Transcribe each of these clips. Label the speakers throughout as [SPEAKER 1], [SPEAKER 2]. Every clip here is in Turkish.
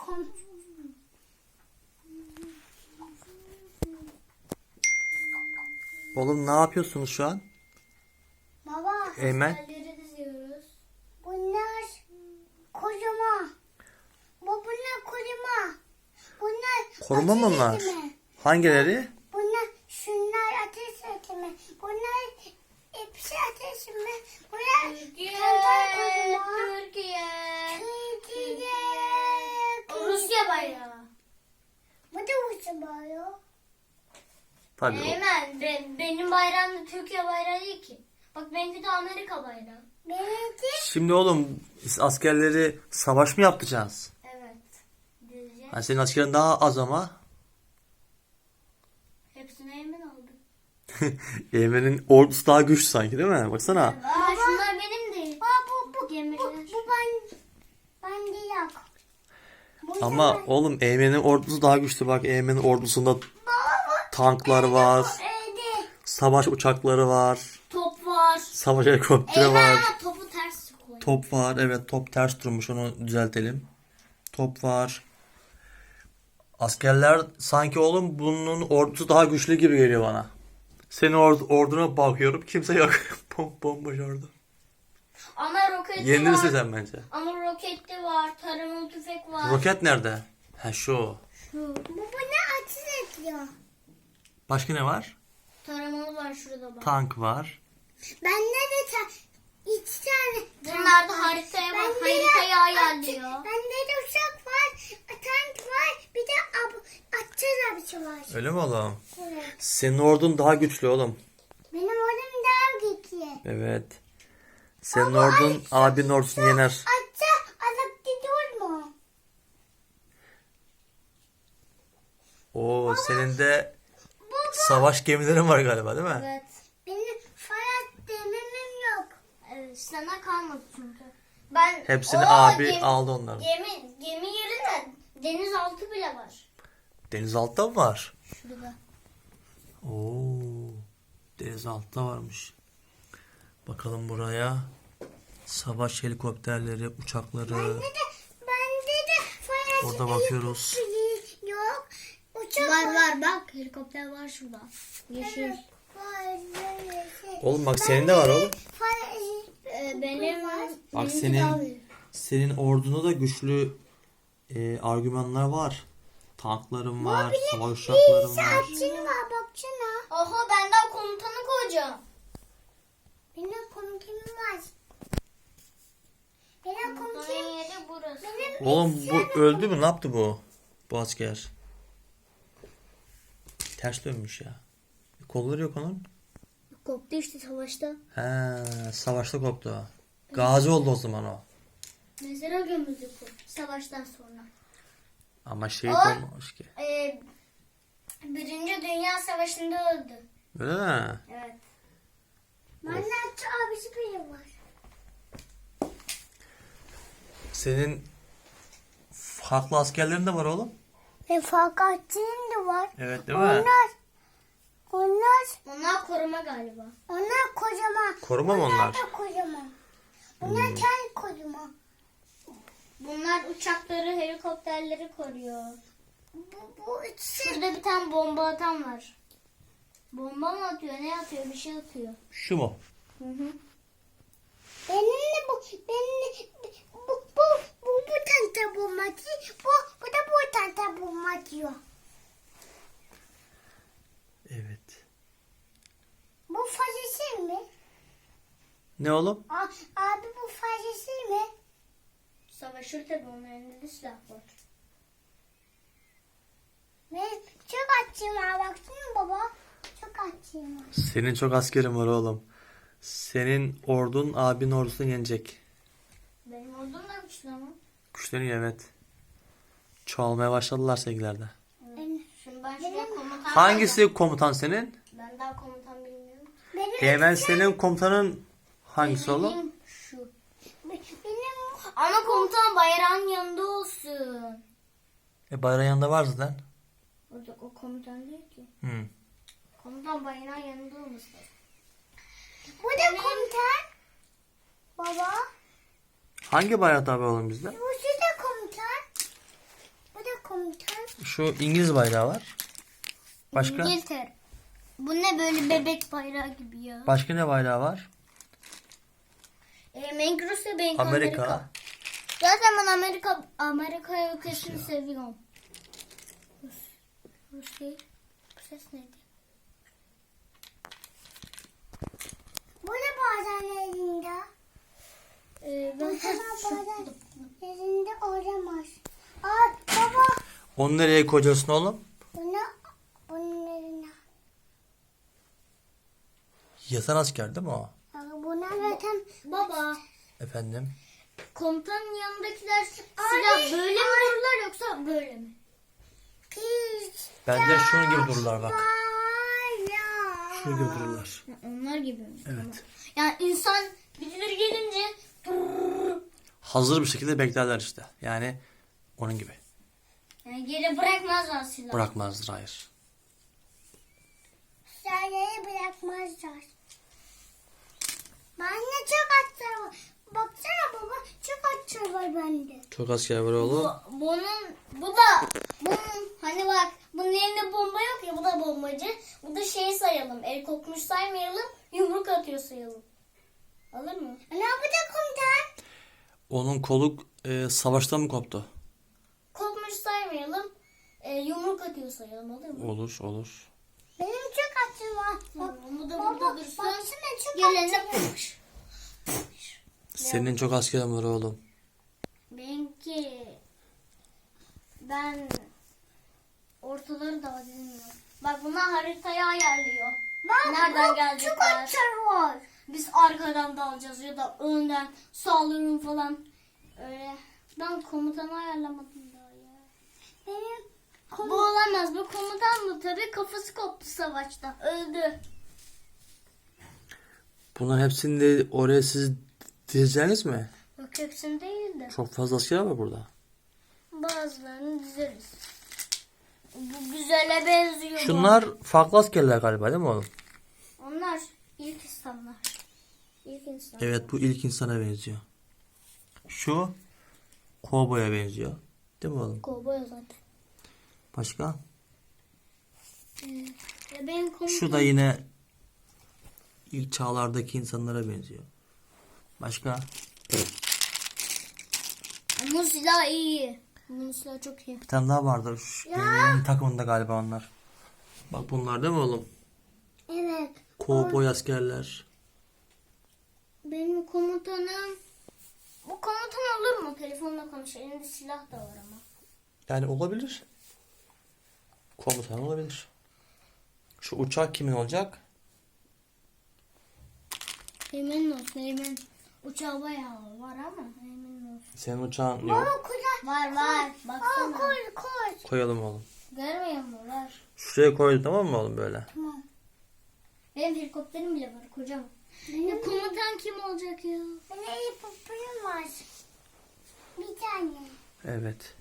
[SPEAKER 1] Oğlum ne yapıyorsunuz şu an?
[SPEAKER 2] Baba.
[SPEAKER 1] Eymen.
[SPEAKER 3] Askerleri diziyoruz.
[SPEAKER 2] Bunlar kocaman. Bunlar kocaman. Bunlar
[SPEAKER 1] Koruma mı bunlar?
[SPEAKER 2] ateş etme.
[SPEAKER 1] Hangileri?
[SPEAKER 2] Bunlar şunlar ateş etme. Bunlar hepsi ateş etme. Bunlar
[SPEAKER 3] Türkiye.
[SPEAKER 2] kantar kocaman.
[SPEAKER 3] Türkiye.
[SPEAKER 2] Türkiye.
[SPEAKER 3] Rusya bayrağı.
[SPEAKER 2] Bu da Rusya bayrağı.
[SPEAKER 1] Tabii.
[SPEAKER 3] Eymen, benim bayrağım da Türkiye bayrağı değil ki. Bak benimki de Amerika bayrağı.
[SPEAKER 2] Benimki
[SPEAKER 1] Şimdi oğlum biz askerleri savaş mı yapacağız?
[SPEAKER 3] Evet. Dizeceğiz.
[SPEAKER 1] Yani senin askerin daha az ama.
[SPEAKER 3] Hepsini Eymen aldı.
[SPEAKER 1] Eymen'in ordusu daha güçlü sanki değil mi? Baksana.
[SPEAKER 3] Aa, şunlar benim değil.
[SPEAKER 2] bu
[SPEAKER 3] Gemiler.
[SPEAKER 2] ben değil.
[SPEAKER 1] Ama oğlum Eymen'in ordusu daha güçlü. Bak Eymen'in ordusunda tanklar var.
[SPEAKER 2] Evde.
[SPEAKER 1] Savaş uçakları var.
[SPEAKER 3] Top var.
[SPEAKER 1] Savaş helikopteri
[SPEAKER 3] Eymen
[SPEAKER 1] var.
[SPEAKER 3] ama topu ters koy.
[SPEAKER 1] Top var. Evet top ters durmuş. Onu düzeltelim. Top var. Askerler sanki oğlum bunun ordusu daha güçlü gibi geliyor bana. Senin orduna bakıyorum. Kimse yok. Bomboş ordu.
[SPEAKER 3] Ama roketli
[SPEAKER 1] Yenilirsin
[SPEAKER 3] var.
[SPEAKER 1] sen bence.
[SPEAKER 3] Ama roketli var. Taramalı tüfek var.
[SPEAKER 1] Roket nerede? Ha şu.
[SPEAKER 2] Bu ne ateş ediyor?
[SPEAKER 1] Başka ne var?
[SPEAKER 3] Taramalı var şurada bak.
[SPEAKER 1] Tank var.
[SPEAKER 2] Bende de iki tane.
[SPEAKER 3] Bunlar da haritaya bak.
[SPEAKER 2] Bende de
[SPEAKER 3] Haritayı ayarlıyor.
[SPEAKER 2] Bende de uçak var, tank var, bir de atçı abisi var.
[SPEAKER 1] Öyle mi oğlum?
[SPEAKER 2] Evet.
[SPEAKER 1] Senin ordun daha güçlü oğlum.
[SPEAKER 2] Benim oğlum daha güçlü.
[SPEAKER 1] Evet. Senin ordun abinin ordusunu yener.
[SPEAKER 2] Atça alıp gidiyor mu?
[SPEAKER 1] Oo senin de savaş gemilerin var galiba değil mi?
[SPEAKER 3] Evet.
[SPEAKER 2] Benim fayat dememim yok.
[SPEAKER 3] Sana kalmadı çünkü. Ben
[SPEAKER 1] Hepsini
[SPEAKER 3] Oo,
[SPEAKER 1] abi aldı onların.
[SPEAKER 3] Gemi yerine denizaltı bile var.
[SPEAKER 1] Denizaltıda mı var?
[SPEAKER 3] Şurada.
[SPEAKER 1] Oo. Denizaltıda varmış. Bakalım buraya. Savaş helikopterleri, uçakları.
[SPEAKER 2] Bende de fayat
[SPEAKER 1] Orada bakıyoruz.
[SPEAKER 2] yok. Uçak
[SPEAKER 3] Var bak helikopter var şurada. Yeşil.
[SPEAKER 2] var. Yeşil.
[SPEAKER 1] Oğlum bak senin de var oğlum.
[SPEAKER 3] Benim
[SPEAKER 1] Bak
[SPEAKER 3] benimki
[SPEAKER 1] senin
[SPEAKER 3] daha büyük.
[SPEAKER 1] senin ordunda da güçlü argümanlar var. Tankların var, savaş uçakların var.
[SPEAKER 2] Atçın var baksana.
[SPEAKER 3] Oho ben daha komutanı koyacağım.
[SPEAKER 2] Benim komutanım var. Benim
[SPEAKER 3] Komutanın
[SPEAKER 2] komutanım.
[SPEAKER 3] yeri burası.
[SPEAKER 1] Oğlum bu öldü mü? Ne yaptı bu? Bu asker. Ters dönmüş ya. Kolları yok onun.
[SPEAKER 3] Koptu işte savaşta.
[SPEAKER 1] He, savaşta koptu. Gazi oldu o zaman o.
[SPEAKER 3] Mezara gömüldü bu savaştan sonra.
[SPEAKER 1] Ama şehit
[SPEAKER 3] O-
[SPEAKER 1] olmamış ki.
[SPEAKER 3] Birinci Dünya Savaşı'nda öldü.
[SPEAKER 1] Öyle mi?
[SPEAKER 3] Evet.
[SPEAKER 2] Bende atçı abisi bile var.
[SPEAKER 1] Senin farklı askerlerin de var oğlum.
[SPEAKER 2] Ve fakatçının da var.
[SPEAKER 1] Evet değil mi?
[SPEAKER 2] Onlar
[SPEAKER 3] Koruma galiba.
[SPEAKER 2] kocaman.
[SPEAKER 1] Koruma mı onlar?
[SPEAKER 2] da kocaman. Bunlar kendi kocaman.
[SPEAKER 3] Bunlar uçakları, helikopterleri koruyor.
[SPEAKER 2] Bu üçü.
[SPEAKER 3] Şurada bir tane bomba atan var. Bomba mı atıyor, ne atıyor? Bir şey atıyor.
[SPEAKER 1] Şu mu?
[SPEAKER 3] Hı hı.
[SPEAKER 2] Benim de bu tanta bulma diyor. Bu da bu tanta bulma diyor.
[SPEAKER 1] Evet.
[SPEAKER 2] Bu fazlası mi?
[SPEAKER 1] Ne oğlum?
[SPEAKER 2] Abi bu fazlası mı?
[SPEAKER 3] Savaşır tabii, onun elinde de silah var.
[SPEAKER 2] Ve çok açayım ha baksana baba. Çok açayım ha.
[SPEAKER 1] Senin çok askerin var oğlum. Senin ordun abinin ordusunu yenecek.
[SPEAKER 3] Benim ordum da güçlü ama.
[SPEAKER 1] Güçleniyor evet. Çoğalmaya başladılar sevgilerde.
[SPEAKER 3] Şimdi ben şuraya komutan
[SPEAKER 1] Hangisi komutan senin?
[SPEAKER 3] Ben daha komutan bilmiyorum.
[SPEAKER 1] Eymen senin komutanın hangisi oğlum?
[SPEAKER 3] Benim şu.
[SPEAKER 2] Benim
[SPEAKER 3] Ama komutan bayrağın yanında olsun.
[SPEAKER 1] Bayrağın yanında var zaten.
[SPEAKER 3] O komutan değil ki.
[SPEAKER 1] Hı.
[SPEAKER 3] Komutan bayrağın yanında olmasın.
[SPEAKER 2] bu da komutan. Baba.
[SPEAKER 1] Hangi bayrak abi oğlum bizde?
[SPEAKER 2] Bu da komutan. komutan.
[SPEAKER 1] Şu İngiliz bayrağı var. Başka?
[SPEAKER 3] İngiltere. Bu ne böyle bebek bayrağı gibi ya.
[SPEAKER 1] Başka ne bayrağı var?
[SPEAKER 3] Ben Rusya, ben
[SPEAKER 1] Amerika.
[SPEAKER 3] Amerika. Zaten ben Amerika ülkesini seviyorum. Rusya. Bu ses neydi?
[SPEAKER 2] Bu ne bazen elinde?
[SPEAKER 3] Ben
[SPEAKER 2] Bazen elinde olamaz. Aa baba.
[SPEAKER 1] Onu nereye koyacaksın oğlum?
[SPEAKER 2] Bunun eline.
[SPEAKER 1] Yatan asker değil mi o?
[SPEAKER 2] Buna zaten
[SPEAKER 3] Baba,
[SPEAKER 1] Efendim?
[SPEAKER 3] komutanın yanındakiler silah böyle mi dururlar yoksa böyle mi?
[SPEAKER 2] kız.
[SPEAKER 1] Bence şunun gibi dururlar bak.
[SPEAKER 2] Bayrağı.
[SPEAKER 1] Şunun gibi dururlar.
[SPEAKER 3] Onlar gibi mi?
[SPEAKER 1] Evet.
[SPEAKER 3] Yani insan birileri gelince
[SPEAKER 1] Hazır bir şekilde beklerler işte. Yani onun gibi.
[SPEAKER 3] yani geri bırakmazlar silahı.
[SPEAKER 1] Bırakmazdır, hayır.
[SPEAKER 2] Silahları bırakmazlar. Bende çok atlar var. Baksana baba çok atlar var bende.
[SPEAKER 1] Çok asker var oğlum.
[SPEAKER 3] Bunun hani bak bunun elinde bomba yok ya, bu da bombacı. Bu da şeyi sayalım, el kokmuş saymayalım, yumruk atıyor sayalım. Alır mı?
[SPEAKER 2] Ne yapacak komutan?
[SPEAKER 1] Onun kolu savaşta mı koptu?
[SPEAKER 3] Kokmuş saymayalım, yumruk atıyor sayalım, alır mı?
[SPEAKER 1] Olur, olur.
[SPEAKER 2] Benim çok atım var. Bak,
[SPEAKER 3] Bu da
[SPEAKER 2] baba
[SPEAKER 3] burada dursun.
[SPEAKER 2] baksana çok
[SPEAKER 3] Gelene
[SPEAKER 2] atım var.
[SPEAKER 1] Senin çok askerin var oğlum.
[SPEAKER 3] Ben ortaları da bilmiyorum. Bak bunlar haritayı ayarlıyor. Nereden
[SPEAKER 2] Çok
[SPEAKER 3] gelecekler?
[SPEAKER 2] atlar var.
[SPEAKER 3] Biz arkadan dalacağız ya da önden saldırın falan. Öyle. Ben komutanı ayarlamadım daha ya.
[SPEAKER 2] Benim
[SPEAKER 3] Bu olamaz. Bu komutan mı? Tabii kafası koptu savaşta. Öldü.
[SPEAKER 1] Bunların hepsini de oraya siz dizeceğiniz mi?
[SPEAKER 3] Yok hepsini değil de.
[SPEAKER 1] Çok fazla asker var burada.
[SPEAKER 3] Bazılarını dizeriz. Bu güzele benziyor.
[SPEAKER 1] Şunlar farklı askerler galiba değil mi oğlum?
[SPEAKER 3] Onlar ilk insanlar. İlk insan.
[SPEAKER 1] Evet, bu ilk insana benziyor. Şu kovboya benziyor. Değil mi oğlum?
[SPEAKER 3] Kovboy zaten.
[SPEAKER 1] Başka?
[SPEAKER 3] Ya benim komutanım.
[SPEAKER 1] Şu da yine ilk çağlardaki insanlara benziyor. Başka?
[SPEAKER 3] Bunun silahı iyi. Bunun silahı çok iyi.
[SPEAKER 1] Bir tane daha vardır. Şu Gönül'ün takımında galiba onlar. Bak bunlar değil mi oğlum?
[SPEAKER 2] evet.
[SPEAKER 1] Kovboy askerler.
[SPEAKER 3] Benim komutanım. Bu komutan olur mu? Telefonla konuş. Elinde silah da var ama.
[SPEAKER 1] Yani olabilir. Komutan olabilir. Şu uçak kimin olacak?
[SPEAKER 3] Emin olsun emin. Uçağı bayağı var ama emin olsun.
[SPEAKER 1] Senin uçağın
[SPEAKER 2] Baba
[SPEAKER 1] yok.
[SPEAKER 2] kucak.
[SPEAKER 3] Var. Baksana.
[SPEAKER 2] Koy.
[SPEAKER 1] Koyalım oğlum.
[SPEAKER 3] Görmüyor musun? Var.
[SPEAKER 1] Şuraya koy, tamam mı oğlum böyle?
[SPEAKER 2] Tamam.
[SPEAKER 3] Benim helikopterim bile var kocaman. Ya komutan kim olacak ya?
[SPEAKER 2] Benim iyi popülüm var. Bir tane.
[SPEAKER 1] Evet.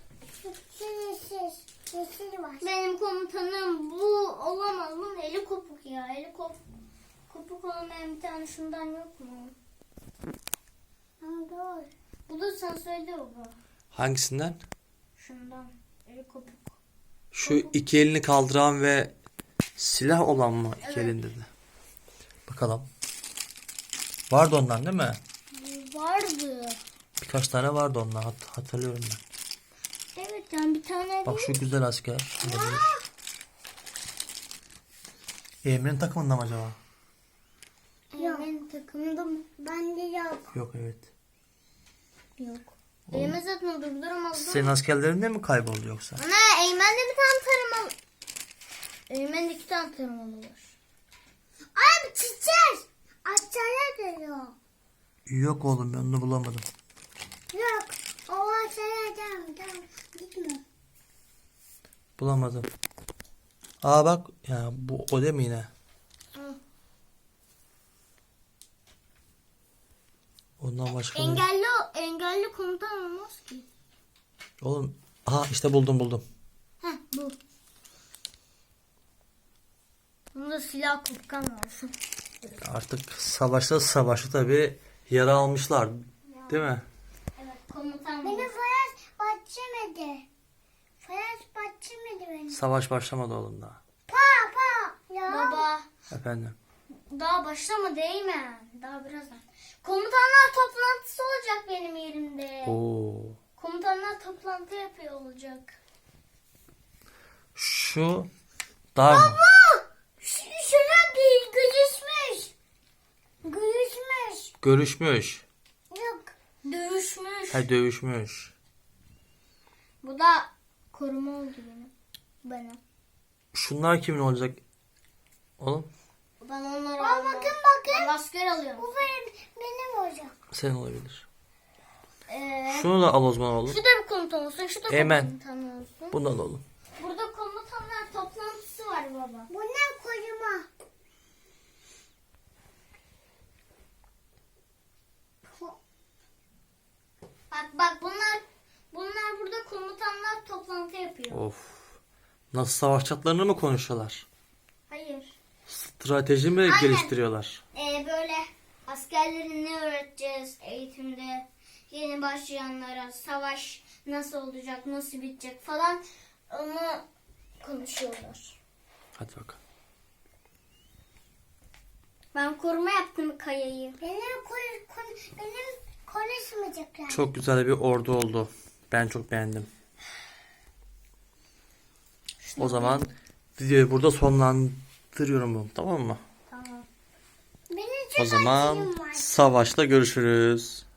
[SPEAKER 2] Yeşil var.
[SPEAKER 3] Benim komutanım bu olamaz. Bunun eli kopuk ya. Kopuk olmayan bir tane şundan yok mu?
[SPEAKER 2] Ama doğru.
[SPEAKER 3] Bulursan söyle baba.
[SPEAKER 1] Hangisinden?
[SPEAKER 3] Şundan. Eli kopuk.
[SPEAKER 1] Şu iki elini kaldıran ve silah olan mı? İki
[SPEAKER 3] Evet.
[SPEAKER 1] elinde de. Bakalım. Vardı ondan değil mi?
[SPEAKER 3] Vardı.
[SPEAKER 1] Birkaç tane vardı ondan. Hatırlıyorum ben.
[SPEAKER 3] Evet yani bir tane
[SPEAKER 1] Bak şu güzel asker. Olabilir. Emre'nin takımında mı acaba?
[SPEAKER 3] Benim takımda mı?
[SPEAKER 2] Bende yok.
[SPEAKER 1] Yok, evet.
[SPEAKER 3] Yok. Eymen zaten durduramazdı.
[SPEAKER 1] Senin askerlerin de mi kayboldu yoksa?
[SPEAKER 3] Ana Eymen'de bir tane tarımalı. Eymen'de 2 tane tarımalı var.
[SPEAKER 2] Ay bir çiçek. Açara da yok.
[SPEAKER 1] Yok oğlum, ben onu bulamadım.
[SPEAKER 2] Yok. O açara tamam. Gitme.
[SPEAKER 1] Bulamadım. Aa bak ya, bu o değil mi yine?
[SPEAKER 3] Hı.
[SPEAKER 1] Ondan başka mı?
[SPEAKER 3] Engelli komutan olmaz ki.
[SPEAKER 1] Oğlum, aha işte buldum.
[SPEAKER 3] Heh bu. Bunda silah kopkan var.
[SPEAKER 1] Artık savaşta tabii yara almışlar. Değil mi?
[SPEAKER 3] Evet komutan
[SPEAKER 2] Beni
[SPEAKER 3] bu.
[SPEAKER 2] falan bahçemedi. Flash başlamadı benim.
[SPEAKER 1] Savaş başlamadı oğlum daha.
[SPEAKER 2] Pa pa. Ya.
[SPEAKER 3] Baba
[SPEAKER 1] Efendim.
[SPEAKER 3] daha başlama değil mi? Daha birazdan. Komutanlar toplantısı olacak benim yerimde.
[SPEAKER 1] Oo.
[SPEAKER 3] Komutanlar toplantı yapıyor olacak.
[SPEAKER 1] Şu daha
[SPEAKER 2] Şuna değil. Gülüşmüş. Gülüşmüş.
[SPEAKER 1] görüşmüş.
[SPEAKER 2] Yok.
[SPEAKER 3] Dövüşmüş.
[SPEAKER 1] Ha dövüşmüş.
[SPEAKER 3] Bu da koruma oldu benim.
[SPEAKER 1] Şunlar kimin olacak? Oğlum
[SPEAKER 3] Ben onları
[SPEAKER 2] Aa,
[SPEAKER 3] almam.
[SPEAKER 2] bakın.
[SPEAKER 3] Ben asker alıyorum.
[SPEAKER 2] Bu benim olacak.
[SPEAKER 1] sen olabilir.
[SPEAKER 3] Ee,
[SPEAKER 1] Şunu da al o zaman oğlum.
[SPEAKER 3] şu da bir komutan olsun. Şu da
[SPEAKER 1] Hemen.
[SPEAKER 3] komutan olsun.
[SPEAKER 1] Bunu da al oğlum.
[SPEAKER 3] Burada komutanlar toplantısı var baba.
[SPEAKER 2] Bunlar koyuma.
[SPEAKER 3] Bak bunlar burada komutanlar toplantı yapıyor.
[SPEAKER 1] Of. Nasıl savaşacaklarını mı konuşuyorlar?
[SPEAKER 3] Hayır.
[SPEAKER 1] Strateji mi
[SPEAKER 3] Aynen.
[SPEAKER 1] geliştiriyorlar?
[SPEAKER 3] Böyle askerlerin ne öğreteceğiz eğitimde, yeni başlayanlara savaş nasıl olacak, nasıl bitecek falan onu konuşuyorlar.
[SPEAKER 1] Hadi bakalım.
[SPEAKER 3] Ben koruma yaptım kayayı.
[SPEAKER 2] Benim konuşmayacaklar.
[SPEAKER 1] Çok güzel bir ordu oldu. Ben çok beğendim. O zaman videoyu burada sonlandırıyorum, tamam mı?
[SPEAKER 3] Tamam.
[SPEAKER 2] Benim
[SPEAKER 1] O
[SPEAKER 2] çok
[SPEAKER 1] zaman
[SPEAKER 2] acıyım var.
[SPEAKER 1] savaşla görüşürüz.